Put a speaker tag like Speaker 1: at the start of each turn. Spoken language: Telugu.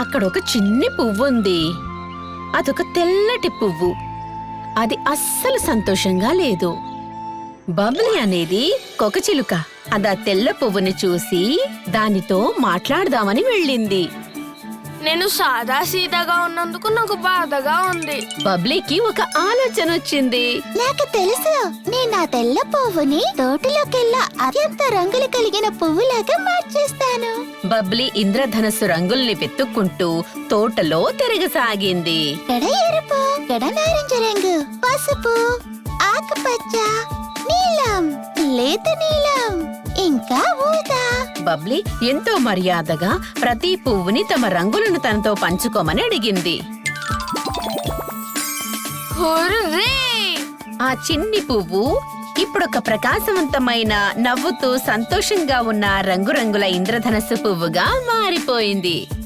Speaker 1: అక్కడొక చిన్ని పువ్వుంది. అదొక తెల్లటి పువ్వు. అది అస్సలు సంతోషంగా లేదు. బబ్లీ అనేది కొకచిలుక. అదా తెల్ల పువ్వుని చూసి దానితో మాట్లాడదామని వెళ్ళింది.
Speaker 2: నేను సాదా సీదాగా ఉన్నందుకు నాకు బాధగా ఉంది.
Speaker 1: బబ్లీకి ఒక ఆలోచన వచ్చింది.
Speaker 3: నాకు తెలుసు, నేను ఆ తెల్ల పువ్వుని తోటలోకెల్లా అత్యంత రంగులు కలిగిన పువ్వులాగా మార్చేస్తాను.
Speaker 1: బబ్లీ ఇంద్రధనస్సు రంగుల్ని వెతుక్కుంటూ తోటలో తిరగసాగింది.
Speaker 3: ఇక్కడ ఎరుపు, ఇక్కడ నారింజ రంగు, పసుపు, ఆకుపచ్చ, నీలం, లేత నీలం, ఇంకా ఊదా.
Speaker 1: బబ్లీ ఎంతో మర్యాదగా ప్రతి పువ్వుని తమ రంగులను తనతో పంచుకోమని అడిగింది.
Speaker 2: హుర్రే!
Speaker 1: ఆ చిన్ని పువ్వు ఇప్పుడొక ప్రకాశవంతమైన, నవ్వుతూ సంతోషంగా ఉన్న రంగురంగుల ఇంద్రధనస్సు పువ్వుగా మారిపోయింది.